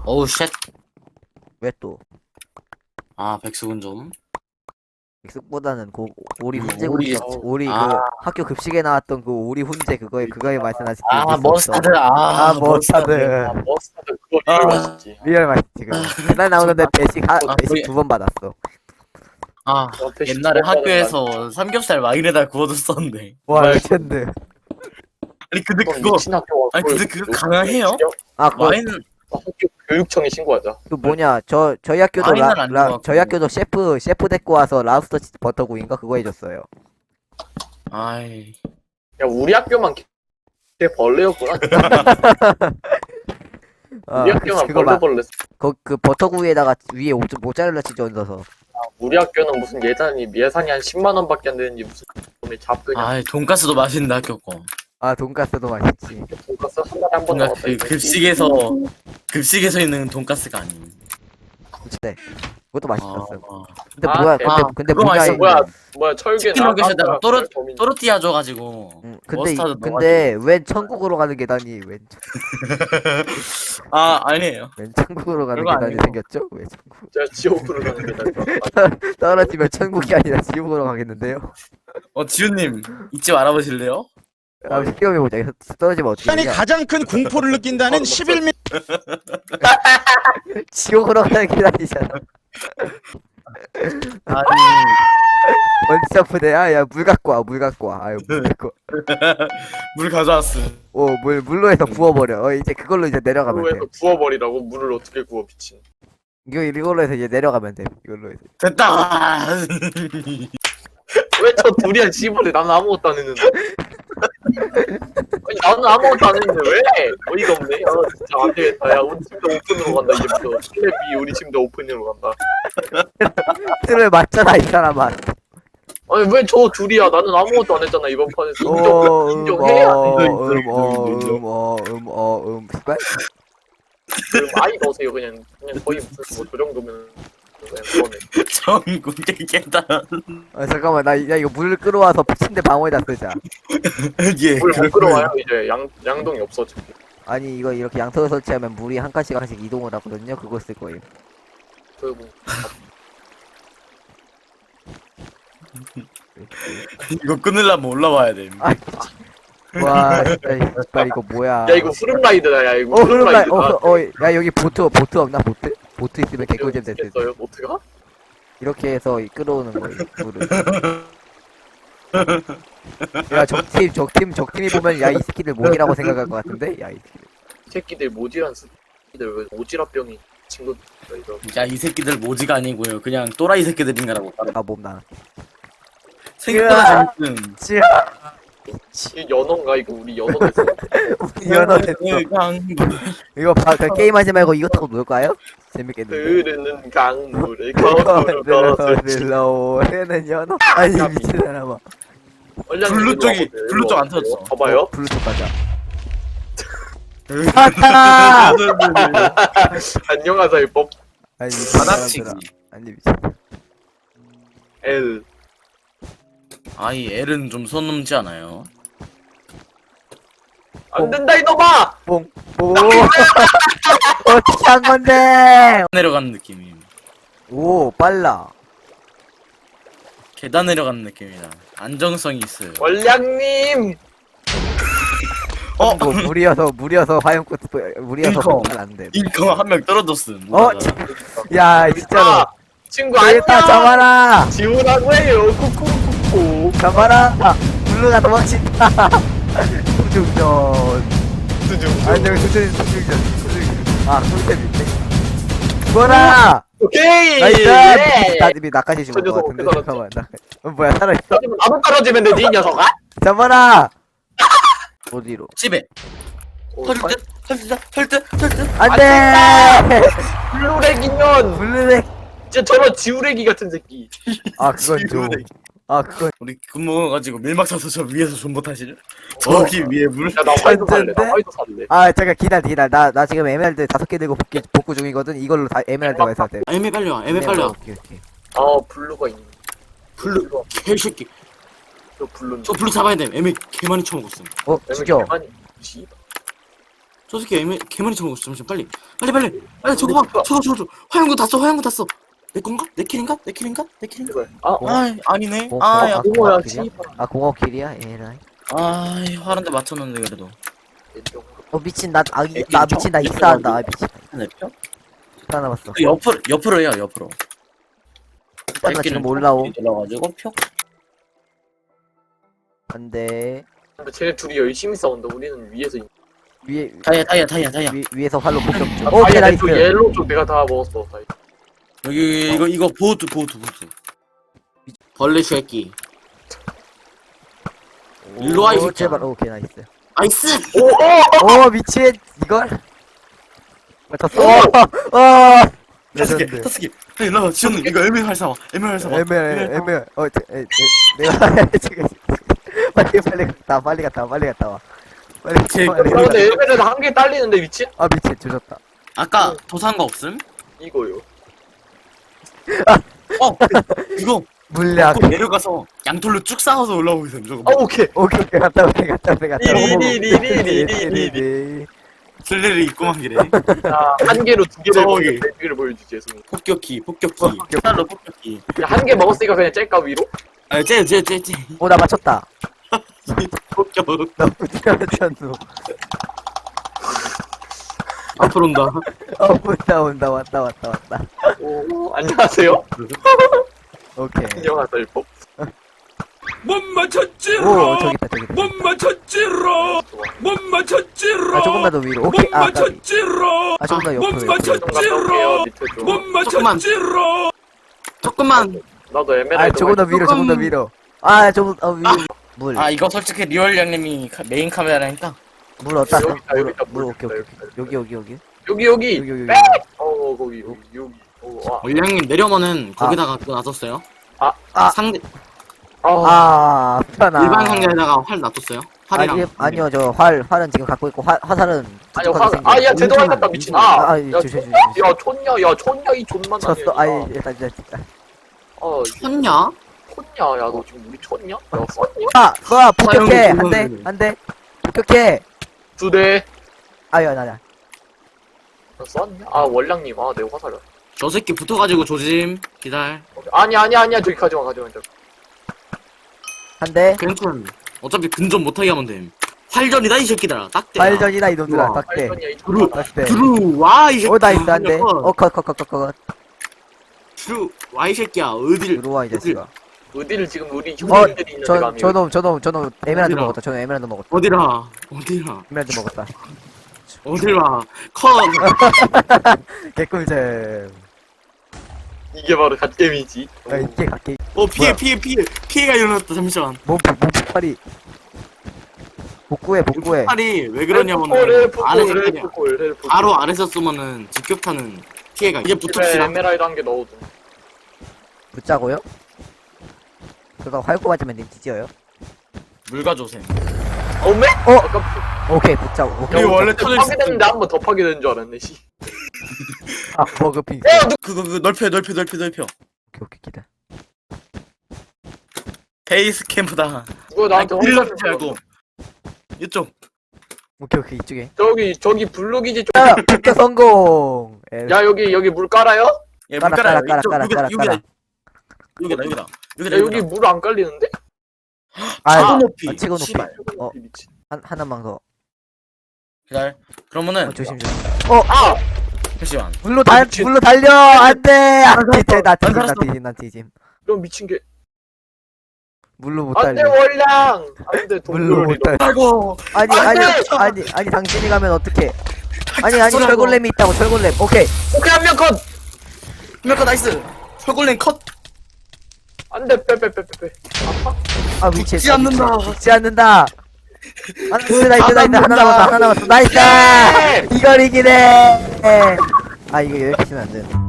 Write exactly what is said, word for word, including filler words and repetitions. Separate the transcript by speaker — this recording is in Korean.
Speaker 1: 어우 쉣.
Speaker 2: 왜 또?
Speaker 1: 아 백숙은 좀.
Speaker 2: 백숙보다는 그 오리
Speaker 1: 음,
Speaker 2: 훈제
Speaker 1: 오리.
Speaker 2: 국밥, 오리
Speaker 1: 아.
Speaker 2: 그 학교 급식에 나왔던 그 오리 훈제 그거에 그거에 말씀하시지.
Speaker 1: 아 머스타드. 아,
Speaker 2: 아 머스타드.
Speaker 3: 아 머스타드 그거
Speaker 1: 아.
Speaker 3: 리얼 맛있지.
Speaker 2: 리얼 맛있지 그거. 맨날 나오는데 배식 하,
Speaker 1: 아,
Speaker 2: 배식
Speaker 1: 거기-
Speaker 2: 두 번 받았어.
Speaker 1: 아
Speaker 3: 어, 배식
Speaker 1: 옛날에
Speaker 3: 먹어야
Speaker 1: 학교에서 삼겹살 마이에다 구워줬었는데.
Speaker 2: 와
Speaker 1: 정말-
Speaker 2: 레전드.
Speaker 1: 아니 근데
Speaker 3: 그건
Speaker 1: 그거
Speaker 3: 미친 학교가
Speaker 1: 아니, 근데 그거 가능해요?
Speaker 2: 아 그거
Speaker 1: 와인은
Speaker 3: 학교 교육청에 신고하자.
Speaker 2: 그 뭐냐 저 저희 학교도
Speaker 1: 와인은
Speaker 2: 라,
Speaker 1: 안
Speaker 2: 라
Speaker 1: 좋아하고.
Speaker 2: 저희 학교도 셰프 셰프 데리고 와서 라우스터 치즈 버터구이인가 그거 해줬어요.
Speaker 1: 아이
Speaker 3: 야 우리 학교만 개 벌레였구나.
Speaker 2: 아
Speaker 3: 우리
Speaker 2: 그-
Speaker 3: 학교만
Speaker 2: 그거
Speaker 3: 벌레
Speaker 2: 막
Speaker 3: 벌레.
Speaker 2: 그, 그 버터구이에다가 위에 오- 모짜렐라 치즈 얹어서.
Speaker 3: 우리 학교는 무슨 예산이 예산이 한 십만 원밖에 안 되는지 무슨 놈의 잡그냥
Speaker 1: 아이 돈가스도 맛있는데 학교 거.
Speaker 2: 아 돈가스도 맛있지.
Speaker 3: 돈가스 한 달에 한 번
Speaker 1: 뭔가
Speaker 3: 나왔다.
Speaker 1: 그 급식에서 급식에서 있는 돈가스가 아닌.
Speaker 2: 진짜 그것도 맛있었어.
Speaker 1: 아,
Speaker 2: 근데
Speaker 3: 아,
Speaker 2: 뭐야?
Speaker 3: 대-
Speaker 2: 근데
Speaker 1: 아,
Speaker 2: 근데
Speaker 1: 그거
Speaker 2: 뭐냐?
Speaker 1: 맛있어.
Speaker 2: 이-
Speaker 3: 뭐야 뭐야 철개
Speaker 1: 치킨 너겟에다가 또르-
Speaker 3: 범인.
Speaker 1: 또르띠아 줘가지고.
Speaker 2: 응, 근데 이-
Speaker 1: 머스타드
Speaker 2: 근데 웬 천국으로 가는 계단이 웬, 천-
Speaker 1: 아 아니에요.
Speaker 2: 웬 천국으로 가는
Speaker 1: 그거
Speaker 2: 계단이
Speaker 1: 아니고.
Speaker 2: 생겼죠? 왜 천국?
Speaker 3: 제가 지옥으로 가는 게
Speaker 2: 떨어지면 천국이 아니라 지옥으로 가겠는데요?
Speaker 1: 어 지훈님 이집 알아보실래요?
Speaker 2: 아, 시험해 보자. 떨어지면 어떻게
Speaker 4: 인간이
Speaker 2: 되냐?
Speaker 4: 가장 큰 공포를 느낀다는
Speaker 3: 어,
Speaker 4: 십일 미
Speaker 2: 지옥으로 가는 계단이잖아.
Speaker 1: 아니
Speaker 2: 원점프대 아, 야, 물 갖고 와, 물 갖고 와. 아유, 물 갖고.
Speaker 1: 물 가져왔어.
Speaker 2: 오, 물, 물로 해서 부어버려. 어, 이제 그걸로 이제 내려가면 돼.
Speaker 3: 그거에서 구워버리라고 물을 어떻게 구워 미친.
Speaker 2: 이거, 이걸로 해서 이제 내려가면 돼. 이걸로 해서.
Speaker 1: 됐다.
Speaker 3: 왜 저 둘이야 씨발이 나는 아무것도 안 했는데. 아니 나는 아무것도 안 했는데 왜? 어이가 없네. 아 진짜 안 되겠다. 야 우리 팀도 오픈으로 간다 이제부터. 슬랩이 우리 팀도 오픈으로 간다.
Speaker 2: 틀을 맞잖아, 이 사람아.
Speaker 3: 아니 왜 저 둘이야? 나는 아무것도 안 했잖아 이번 판에서.
Speaker 2: 어,
Speaker 3: 인정,
Speaker 2: 음,
Speaker 3: 인정해야
Speaker 2: 어,
Speaker 3: 돼.
Speaker 2: 음, 어, 음, 어, 음, 어, 음, 씨발.
Speaker 3: 그럼 아이 넣으세요 그냥. 그냥 거의 무슨 뭐저 정도면 그냥 그거네.
Speaker 1: 전국의 계단.
Speaker 2: 아, 잠깐만, 나, 야, 이거 물 끌어와서 침대 방어에다 쓰자.
Speaker 1: 예.
Speaker 3: 물못 끌어와요 이제 양 양동이 없어 지금.
Speaker 2: 아니, 이거 이렇게 양털을 설치하면 물이 한 칸씩 한 칸씩 이동을 하거든요. 그거 쓸 거예요.
Speaker 3: 그리고
Speaker 1: 이거 끊으려면 올라와야 돼.
Speaker 2: 아, 와, 진짜, 씨발, 이거 뭐야.
Speaker 3: 야 이거 흐름 라이드다 야 이거
Speaker 2: 어, 흐름 라이,
Speaker 3: 라이드다.
Speaker 2: 어, 어, 야, 여기 보트, 보트 없나, 보트? 보트 있으면 개꿀잼 될 듯.
Speaker 3: 어요 어떻게가?
Speaker 2: 이렇게 해서 이 끌어오는 거예요, 물을. 야, 적팀, 적팀, 적팀이 보면, 야, 이 새끼들 모기라고 생각할 것 같은데? 야, 이 새끼들.
Speaker 3: 이 새끼들 모지란 새끼들 왜 오지랖병이 친구들 이거
Speaker 1: 야 이 새끼들 모지가 아니고요. 그냥 또라이 새끼들인가라고.
Speaker 2: 아, 몸 나.
Speaker 1: 생각보다 재밌음.
Speaker 2: 찌야.
Speaker 3: 이 연어인가 이거 우리 연어에서
Speaker 2: 연어 됐어.
Speaker 1: 강물.
Speaker 2: 이거 봐, 그 게임하지 말고 이거 타고 놀까요? 재밌겠는데.
Speaker 3: 흐르는 강물을 거꾸로
Speaker 2: 들어서
Speaker 3: 걸어서
Speaker 2: 들러오는 연어. 아니, 미친 사람아.
Speaker 1: 블루 쪽이- 블루 쪽안 터졌어.
Speaker 3: 봐봐요.
Speaker 2: 블루투스 가자. 아타!
Speaker 3: 안녕하세요 법
Speaker 2: 아니, 미친
Speaker 1: 바닥치기.
Speaker 2: 사람들아. 아니, 미친.
Speaker 3: L
Speaker 1: 아이 L은 좀 선 넘지 않아요?
Speaker 3: 안 된다 이놈아.
Speaker 2: 뽕. 오. 어떻게 한 건데?
Speaker 1: 내려가는 느낌이.
Speaker 2: 오, 빨라.
Speaker 1: 계단 내려가는 느낌이다. 안정성이 있어요.
Speaker 3: 원량님
Speaker 1: 어?
Speaker 2: 뭐 무리여서 무리여서 화염꽃 무리여서
Speaker 1: 인컴.
Speaker 2: 보면 안 돼.
Speaker 1: 인컴 한 명 떨어졌음.
Speaker 2: 어? 야, 진짜로.
Speaker 3: 아, 친구 안녕.
Speaker 2: 됐다, 잡아라.
Speaker 3: 지우라고 해요. 쿠쿠쿠쿠.
Speaker 2: 잡아라. 아, 블루가 도망친다. 수중전.
Speaker 3: 수중
Speaker 2: 안녕, 수중, 수중전. 수중전. 아, 꿀잼인데. 죽어라.
Speaker 3: 오케이.
Speaker 2: 나이스.
Speaker 3: 예.
Speaker 2: 나님이 나까지 죽을
Speaker 3: 저
Speaker 2: 것
Speaker 3: 녀석
Speaker 2: 같은데.
Speaker 3: 어떻게
Speaker 2: 잠깐만. 나, 어, 뭐야, 살아있어?
Speaker 3: 떨어지면 나도 떨어지면 되지 이 녀석아.
Speaker 2: 잡아라. 어디로?
Speaker 1: 집에.
Speaker 3: 어,
Speaker 1: 털듯 털듯 털듯 털듯.
Speaker 2: 안돼.
Speaker 3: 블루렉이년.
Speaker 2: 블루렉.
Speaker 3: 진짜 저런 지우레기 같은 새끼.
Speaker 2: 아, 그건 좀.
Speaker 1: 지우렉.
Speaker 2: 아, 그건.
Speaker 1: 우리 근무가지고 밀막 사서 저 위에서 존버 타시죠? 저기 위에 물.
Speaker 3: 야 나 화이트 살래. 나
Speaker 2: 천재인데?
Speaker 3: 화이트 살래.
Speaker 2: 아, 잠깐 기다려, 기다려. 나, 나 지금 에메랄드 다섯 개 들고 복귀, 복구 중이거든. 이걸로 다 에메랄드가 있어야 돼.
Speaker 1: 아, 애매 빨리 와. 애매 빨리 와.
Speaker 2: 오케이, 오케이.
Speaker 3: 아 블루가 있네.
Speaker 1: 블루 개새끼.
Speaker 3: 저 블루.
Speaker 1: 저 블루 잡아야 돼. 애매 개 많이 쳐먹었음.
Speaker 2: 어, 죽여.
Speaker 3: 아니 씨발.
Speaker 4: 저 새끼 애매, 개머리처럼 먹었어. 잠시만 빨리 빨리 빨리 빨리 저거 봐 저거 저거 저거 화염구 다 써 화염구 다 써. 내 건가? 내 킬인가? 내 킬인가? 내 킬인가?
Speaker 3: 제발. 아, 어,
Speaker 1: 아 아니네.
Speaker 2: 고-
Speaker 1: 아
Speaker 2: 고-
Speaker 1: 야.
Speaker 2: 아,
Speaker 3: 고모야,
Speaker 2: 고마워,
Speaker 3: 씨발.
Speaker 2: 아 공업킬이야? 에라이.
Speaker 1: 아 화란데 맞췄는데 그래도.
Speaker 2: 어 미친 나 아, 이-
Speaker 1: 애기
Speaker 2: 나
Speaker 1: 저-
Speaker 2: 미친 나
Speaker 1: 애기
Speaker 2: 익사한다. 아
Speaker 1: 어디?
Speaker 2: 미친.
Speaker 1: 내 표?
Speaker 2: 하나 남았어.
Speaker 1: 그 옆으로 옆으로 해요 옆으로.
Speaker 2: 일단 나 지금 올라옴.
Speaker 1: 올라가지고 표.
Speaker 2: 안돼.
Speaker 3: 근데 쟤네 둘이 열심히 싸운다. 우리는 위에서.
Speaker 2: 위에
Speaker 1: 다이아 다이아 다이아 다이아.
Speaker 2: 위, 위에서 활로 폭격 중.
Speaker 3: 아,
Speaker 2: 오케이
Speaker 3: 다이아
Speaker 2: 나이스.
Speaker 3: 쪽 옐로우 쪽 내가 다 먹었어. 다이아.
Speaker 1: 여기 이거 이거 보호투 보호투 보호투.
Speaker 4: 벌레 새끼. 일로 와, 이
Speaker 2: 오,
Speaker 4: 새끼야.
Speaker 2: 제발 오케이 나이스.
Speaker 4: 나이스.
Speaker 3: 오! 어!
Speaker 2: 오 미친 이걸 맞췄어. 어.
Speaker 1: 다섯 개
Speaker 2: 레전드.
Speaker 1: 다섯 개. 일로 와 지훈 이거 애매 활사와 애매 활사와.
Speaker 2: 애매 애매 어 저, 에, 에, 내가 지금 빨리 빨리 갔다 빨리 갔다 빨리 갔다 와. 빨리
Speaker 1: 제-
Speaker 2: 빨리
Speaker 3: 야,
Speaker 2: 갔다.
Speaker 3: 근데 엘베는 한 개 딸리는데 미친?
Speaker 2: 아 미친 조졌다.
Speaker 1: 아까 도산 거 없음?
Speaker 3: 이거요.
Speaker 1: 어 이거
Speaker 2: 물약.
Speaker 1: 꼭 내려가서 양털로 쭉 쌓아서 올라오고 있음 저거.
Speaker 3: 아, 오케이.
Speaker 2: 오케이 오케이 갔다 오케이 갔다 오케이 갔다 오케이.
Speaker 3: 리리리리리리리리.
Speaker 1: 슬레를 입고만 기래.
Speaker 3: 자, 한 개로 두 개를
Speaker 1: 저기.
Speaker 3: 먹으면 네 개를 보여주지, 예수님.
Speaker 1: 폭격기 폭격기. 살로 폭격기.
Speaker 3: 한 개 먹었으니까 그냥 짤까 위로?
Speaker 1: 아쟤쟤쟤쟤
Speaker 2: 오나 맞췄다.
Speaker 1: 폭격.
Speaker 2: 나 어디가 맞췄노.
Speaker 4: 앞으로 온다.
Speaker 2: 어 온다 온다 왔다 왔다 왔다.
Speaker 3: 오, 안녕하세요.
Speaker 2: 오케이.
Speaker 3: 안녕하세요, 일법.
Speaker 5: 못 맞췄지로
Speaker 2: 오 저기 있다 저기 있다.
Speaker 5: 못 맞췄지로 못 맞췄지로
Speaker 2: 아 조금만 더 위로.
Speaker 5: 못
Speaker 2: 오케이 아 나,
Speaker 5: 맞췄지로
Speaker 2: 아 조금 더
Speaker 5: 못
Speaker 2: 옆으로 옆으로.
Speaker 5: 맞췄-
Speaker 3: 좀 갔다 올게요, 밑에 좀.
Speaker 5: 못 맞췄지로
Speaker 4: 조금만.
Speaker 3: 나도
Speaker 2: 아
Speaker 3: 에메랄드.
Speaker 2: 조금 더 위로 조금 더 위로. 아 조금 어 위로. 물.
Speaker 1: 아 이거 솔직히 리얼 양님이 카- 메인 카메라니까.
Speaker 2: 물 어디다?
Speaker 3: 여기 있다, 여기 있다,
Speaker 2: 물
Speaker 3: 물
Speaker 2: 오케이
Speaker 3: 있다,
Speaker 2: 오케이. 여기 여기 여기.
Speaker 3: 여기, 여기.
Speaker 2: 여기 여기.
Speaker 3: 빽! 어, 거기, 여기, 여기. 어, 와.
Speaker 4: 원량님 내려면은 거기다가 그거 놔뒀어요.
Speaker 3: 아,
Speaker 2: 아.
Speaker 4: 상대
Speaker 3: 아,
Speaker 2: 아 편하.
Speaker 4: 일반 상자에다가 활 놔뒀어요.
Speaker 2: 아,
Speaker 4: 활이랑.
Speaker 2: 일, 아니요 저 활 활은 지금 갖고 있고 화 화살은
Speaker 3: 아니,
Speaker 2: 부족하게
Speaker 3: 화,
Speaker 2: 생겨.
Speaker 3: 아, 야, 제동알 같다, 미친. 아,
Speaker 2: 아, 아,
Speaker 3: 야,
Speaker 2: 조심, 조심,
Speaker 3: 촌- 야, 촌냐, 야, 촌냐, 이 존만
Speaker 2: 쳤어. 아이 일단 일단. 일단.
Speaker 3: 아,
Speaker 4: 쳤냐?
Speaker 3: 촌냐, 야, 너 지금 우리 촌냐? 야, 썼냐?
Speaker 2: 아, 쏴 폭격해
Speaker 4: 사용
Speaker 2: 한대
Speaker 4: 중이거든요.
Speaker 2: 한대 폭격해.
Speaker 3: 두 대.
Speaker 2: 아유 나나.
Speaker 3: 야, 썼냐? 아, 원량님, 아, 내 화살이야.
Speaker 4: 저 새끼 붙어가지고 조짐. 기다려.
Speaker 3: 아니, 아니, 아니야, 저기 가져와, 가져와, 가져와.
Speaker 2: 한대
Speaker 4: 괜찮. 어차피 근접 못하게 하면 됨. 활전이다 이 새끼들아. 딱대.
Speaker 2: 발전이다 이놈들아
Speaker 4: 우와.
Speaker 2: 딱대
Speaker 3: 발전이야, 이
Speaker 4: 들어.
Speaker 3: 존나.
Speaker 2: 딱대.
Speaker 4: 들어와 이 새끼.
Speaker 2: 오 나이스 한대. 어컷컷컷컷컷
Speaker 4: 들어와 이 새끼야. 어딜.
Speaker 2: 들어와 이 자식아.
Speaker 3: 어디를 지금 우리 형님들이 있는데
Speaker 2: 저
Speaker 3: 감히.
Speaker 2: 저놈 저놈 저놈 에메랄드
Speaker 4: 어디라?
Speaker 2: 먹었다. 저놈 에메랄드 먹었다.
Speaker 4: 어디라. 어디라.
Speaker 2: 에메랄드 먹었다.
Speaker 4: 어디라. 컷.
Speaker 2: 개꿀잼.
Speaker 3: 이게 바로 갓겜이지.
Speaker 2: 아 이게 각기
Speaker 4: 어 피해
Speaker 2: 뭐야?
Speaker 4: 피해 피해. 피해가 일어났다. 잠시만.
Speaker 2: 몸몸 폭발이. 복구해 복구해.
Speaker 4: 팔이 왜
Speaker 3: 헬프콜,
Speaker 4: 그러냐면은
Speaker 3: 헬프콜,
Speaker 4: 아래서 그냥
Speaker 3: 헬프콜, 헬프콜.
Speaker 4: 바로 아래서 쏘면은 직격타는 피해가 이제
Speaker 3: 집에
Speaker 4: 붙읍시다.
Speaker 3: 에메랄드 한 개 넣어도.
Speaker 2: 붙자고요? 그거 활고 맞으면 님 찢어요?
Speaker 1: 물 가져오세요.
Speaker 3: 어메?
Speaker 2: 어?
Speaker 3: 아까
Speaker 2: 오케이 붙자고. 오케이.
Speaker 1: 이거 원래 터질 수
Speaker 3: 파괴됐는데 한 번 더 파괴되는 줄 알았네, 씨.
Speaker 2: 아 버그핑.
Speaker 3: 야, 누
Speaker 1: 그거 그거 넓혀 넓혀 넓혀 넓혀.
Speaker 2: 오케이 오케이 기다.
Speaker 1: 베이스 캠프다.
Speaker 3: 누가 나한테
Speaker 1: 일
Speaker 3: 화살
Speaker 1: 넓히지 말고. 이쪽.
Speaker 2: 오케이 오케이 이쪽에.
Speaker 3: 저기, 저기 블루기지 쪽.
Speaker 2: 야 폭격 성공. 에,
Speaker 3: 야, 여기, 여기 물 깔아요?
Speaker 1: 예,
Speaker 2: 깔아,
Speaker 1: 물 깔아요.
Speaker 2: 깔아,
Speaker 1: 이쪽,
Speaker 2: 깔아,
Speaker 1: 여기다,
Speaker 2: 깔아,
Speaker 1: 여기다,
Speaker 2: 깔아.
Speaker 1: 여기다 여기다
Speaker 3: 야,
Speaker 1: 여기다
Speaker 3: 여기 물 안 깔리는데?
Speaker 2: 아,
Speaker 1: 치고 높이.
Speaker 2: 아, 치고 높이.
Speaker 1: 씨발.
Speaker 2: 어.
Speaker 3: 미친.
Speaker 2: 한 하나만 더.
Speaker 1: 기다려. 그러면은
Speaker 2: 어, 조심 조심.
Speaker 3: 아!
Speaker 1: 잠시만.
Speaker 2: 물로 달
Speaker 3: 미친.
Speaker 2: 물로 달려 안돼. 안 뒤져 나
Speaker 1: 안
Speaker 2: 뒤짐 나
Speaker 1: 살았어.
Speaker 2: 뒤짐 나 뒤짐.
Speaker 3: 이런 미친 게.
Speaker 2: 물로 못
Speaker 3: 안 돼,
Speaker 2: 달려.
Speaker 3: 월량! 안 돼,
Speaker 2: 물로 못
Speaker 3: 동물이.
Speaker 2: 달려.
Speaker 1: 아이고.
Speaker 2: 아니
Speaker 3: 안
Speaker 2: 아니
Speaker 3: 돼!
Speaker 2: 아니 아니 당신이 가면 어떡해? 아니 아니
Speaker 1: 쏘라고.
Speaker 2: 철골렘이 있다고 철골렘. 오케이.
Speaker 3: 오케이, 한 명 컷!
Speaker 1: 몇거 나이스. 철골랭 컷.
Speaker 3: 안 돼, 빼, 빼, 빼, 빼, 빼. 아파?
Speaker 2: 아 위치에
Speaker 1: 죽지 않는다.
Speaker 2: 죽지 않는다. 나이스 나이스 나이스 하나 남았다 하나 남았어 나이스.
Speaker 3: 예!
Speaker 2: 이걸 이기네. 아 이거 이렇게 치면 안 돼.